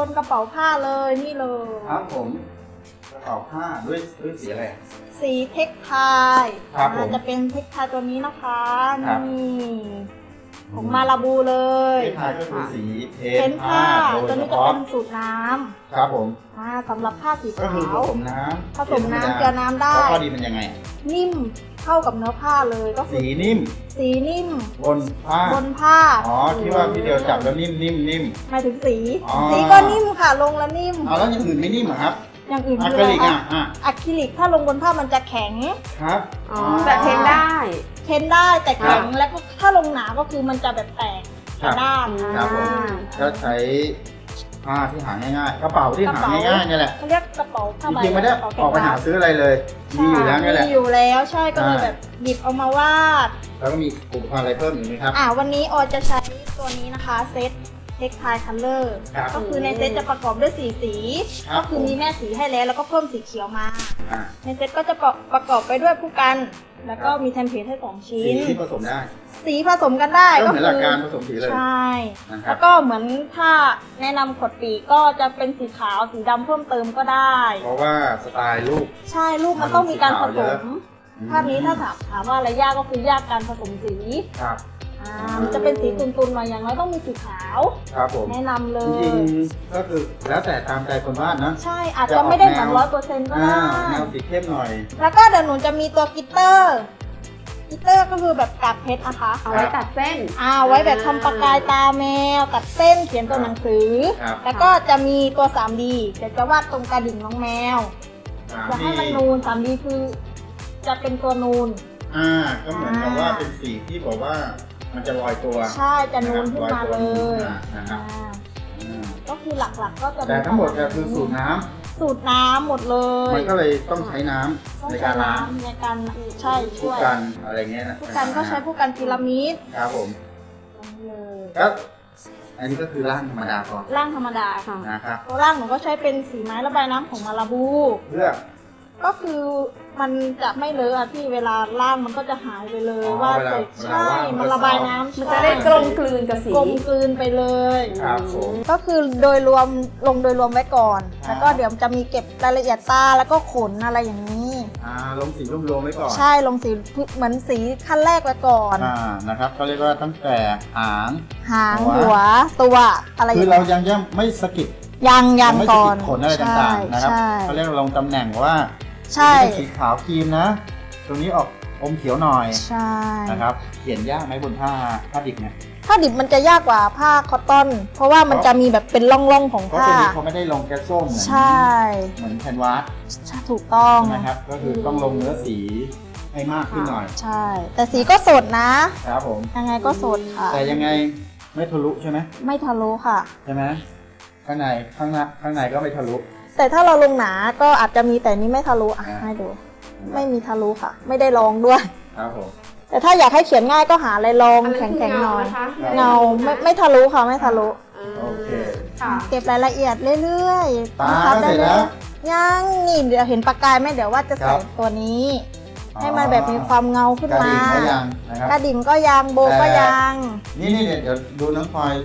นกระเป๋าผ้าเลยนี่เลยครับผมกระเป๋าผ้าด้วยสีอะไรสีเทคไทครับผมจะเป็นเทคไทตัวนี้นะคะครับนี่ของมาลาบูเลยเทคไทยก็คือสีเพ้เพ้นนท์ผ้าโดยตัวเฉนี้จะพาะเป็นสูตรน้ครับผมำสำหรับผ้าสีก็ขาคือผวสมน้ำผสมน้ำเกลือน้ำได้แล้วข้อดีมันยังไงนิ่มเข้ากับเนื้อผ้าเลยก็คือสีนิ่มสีนิ่มบนผ้าบนผ้าอ๋อที่ว่าพี่เดียวจับแล้วนิ่มหมายถึงสีอ๋อสีก็นิ่มค่ะลงแล้วนิ่มเอาแล้วอย่างอื่นไม่นิ่มเหรอครับอย่างอื่นอะคือคริอะไรลิกคะอ่ะอะคริลิกถ้าลงบนผ้ามันจะแข็งครับอ๋อแต่เทนได้เพ้นได้แต่แข็งแล้วก็ถ้าลงหนาก็คือมันจะแบบแตกกระด้างครับผมก็ใช้ผ้าที่หาง่ายๆกระเป๋าที่หาง่ายๆเนี่ยแหละเขาเรียกกระเป๋าผ้าจใบริงๆไม่ได้กระเป๋าออกไปหาซื้ออะไรเลยมีอยู่แล้วนี่แหละมีอยู่แล้วใช่ก็เลยอ่าแบบหยิบเอามาวาดแล้วก็มีอุปกรณ์อะไรเพิ่มอีกไหมครับวันนี้ออจะใช้ตัวนี้นะคะเซตเทคไทคัลเลอร์ครับก็คือในเซตจะประกอบด้วย4 สีครับก็คือมีแม่สีให้แล้วแล้วก็เพิ่มสีเขียวมาอ่ะในเซตก็จะประกอบไปด้วยผู้กัน แล้วก็มีแทมเพลตให้2 ชิ้สีนที่ผสมได้สีผสมกันได้ก็ก็เหมือนหลักการผสมสีเลยใช่นะครับแล้วก็เหมือนถ้าแนะนำขวดปีกก็จะเป็นสีขาวสีดำเพิ่มเติมก็ได้เพราะว่าสไตล์ลูกใช่ลูกมันต้องมีการผมันสีสขาวเยอะมภาพนี้ถ้าถามว่าอะไรยากก็คือยากการผสมสีครับมันจะเป็นสีตุนๆหน่อยอย่างน้อยต้องมีสีขาวครับผมแนะนำเลจริยงๆก็คือแล้วแต่ตามใจคนวาดนะใช่อาจจะไม่ได้เหมือน100%ก็ได้แนวสีเข้มหน่อยแล้วก็เดี๋ยวหนูจะมีตัวกลิตเตอร์ก็คือแบบกากเพชรนะคะเอาไว้ตัดเส้นไว้แบบทำประกายตาแมวตัดเส้นเขียนตัวหนังสือครับแล้วก็จะมีตัว 3D เดี๋ยวจะวาดตรงกระดิ่งน้องแมวจะให้มันนูน 3D คือจะเป็นตัวนูนก็เหมือนกับว่าเป็นสีที่บอกว่ามันจะลอยตัวใช่จะนูนขึ้นมาเลยนะครับก็คือหลักๆก็จะแต่ทั้งหมดก็คือสูตรน้ำสูตรน้ำหมดเลยมันก็เลยต้องใช้น้ำต้องในใช้การล้างน้ำในการใช่ผู้ช่วยกันอะไรเงี้ยนะผู้กันก็ใช้ผู้กันพีระมิดครับผมเลยก็อันนี้ก็คือร่างธรรมดาก่อนร่างธรรมดาค่ะนะครับตัวร่างหนูก็ใช้เป็นสีไม้ระบายน้ำของมาลาบูเพื่อก็คือมันจะไม่เลอะอะพี่เวลาล่างมันก็จะหายไปเลยว่าเสร็จใช่มันระบายน้ำมันจะได้กลมกลืนกับสีกลมกลืนไปเลยครับผมก็คือโดยรวมลงโดยรวมไว้ก่อน แล้วก็เดี๋ยวจะมีเก็บรายละเอียดตาแล้วก็ขนอะไรอย่างนี้ลงสีรวมๆไว้ก่อนใช่ลงสีเหมือนสีขั้นแรกไว้ก่อนนะครับเขาเรียกว่าตั้งแต่หางหางหัวตัวอะไรอคืย่าอง เราเงี้ยยังไม่สะกิดยังไม่สะก่อกินดขนอะไรต่างๆนะครับใช่เขาเรียกลงตำแหน่งว่าใช่เป็นสีขาวครีมนะ ตรงนี้ออกอมเขียวหน่อยใช่นะครับเขียนยากไหมบนผ้าดิบเนี่ยผ้าดิบมันจะยากกว่าผ้าคอตตอน เพราะว่ามันจะมีแบบเป็นร่องๆของเพราะผ้าตัวนี้เขาไม่ได้ลงแก๊สส้มเหมือนใช่เหมือนแคนวาสใช่ถูกต้องใช่ไหมครับ ก็คือต้องลงเนื้อสีให้มากขึ้นหน่อยใช่ แต่สีก็สดนะครับผมยังไงก็สดค่ะแต่ยังไงไม่ทะลุใช่ไหมไม่ทะลุค่ะใช่ไหมข้างในก็ไม่ทะลุแต่ถ้าเราลงหนาก็อาจจะมีแต่นี้ไม่ทะลุอ่ะอ่าให้ดู ไม่มีทะลุค่ะ ไม่ได้ลองด้วยครับผมแต่ถ้าอยากให้เขียนง่ายก็หาอะไรลองอันแนั้นคือข็งๆหน่อยนะคะเงาไม่ทะลุค่ะไม่ทะลุโอเคค่ะเก็บรายละเอียดเรื่อยๆตาบังคับก็เสร็จแล้วยังนี่เดี๋ยวเห็นประกายไหมเดี๋ยวว่าจะครัใส่บตัวนี้ ให้มันแบบมีความเงาขึ้นกระมาดิ่งก็ยังนะครับกระดิ่งก็ยังโบก็ยังนี่เดี๋ยวดูน้องออย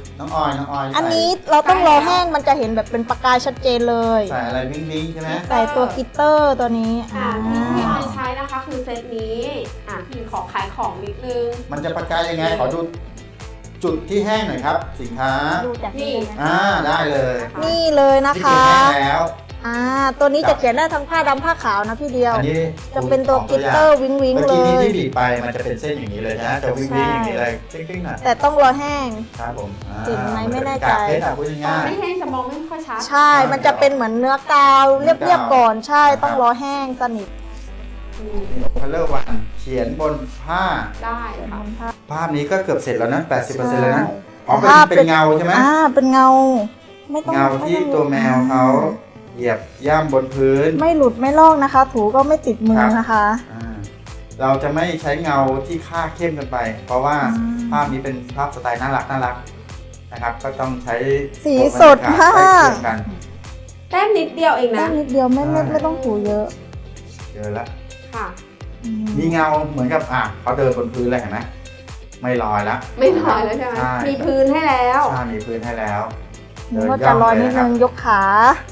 อันนี้เราต้องรอแห้งมันจะเห็นแบบเป็นประกายชัดเจนเลยใส่อะไรวิ้งๆใช่ไหมใส่ตัวกลิตเตอร์ตัวนี้ค่ะที่พี่ออยใช้นะคะคือเซตนี้พี่ขอขายของนิดนึงมันจะประกายยังไงขอดูจุดที่แห้งหน่อยครับ สินค้าดูจากนี่เลยนะได้เลยนี่เลยนะที่คะเขียนแห้งแล้วตัวนี้จะเขียนได้ทั้งผ้าดำผ้าขาวนะพี่เดียวอันนี้จะเป็นตัวกลิตเตอร์วิงวิงเมื่อเลกี้นี้ยที่บีบไปมันจะเป็นเส้นอย่างนี้เลยนะจะวิ้งๆอย่างนี้เลยติ๊งๆหน่อยแต่ต้องรอแห้งครับผมเห็นไหมไม่แน่ใจกากเพชรพูดง่ายไม่แห้งจะมองไม่ค่อยชัดใช่ มันจะเป็นเหมือนเนื้อกาวเรียบๆก่อน ใช่ ต้องรอแห้งสนิทคัลเลอร์วันเขียนบนผ้าได้ค่ะภาพนี้ก็เกือบเสร็จแล้วนะ 80%แล้วนะใช่อ๋อภาพเป็นเงาใช่ไหมเป็นเงา ไม่ต้องเงาที่ตัวแมวเขาเหยียบย่ำบนพื้นไม่หลุดไม่ลอกนะคะ ถูก็ไม่ติดมือนะคะเราจะไม่ใช้เงาที่ค่าเข้มเกินไป เพราะว่าอืมภาพนี้เป็นภาพสไตล์น่ารักนะครับ ก็ต้องใช้สีสดมากใกล้เคียงกันแต้มนิดเดียวเองแค่นะนิดเดียวไม่ต้องถูเยอะเจอแล้วค่ะมีเงาเหมือนกับเขาเดินบนพื้นเลยเห็นไหมไม่ลอยแล้วไม่ถอยแล้วใช่ไหมใช่มีพื้นให้แล้วใช่มีพื้นให้แล้วมือก็จะลอยนิดนึงยกขา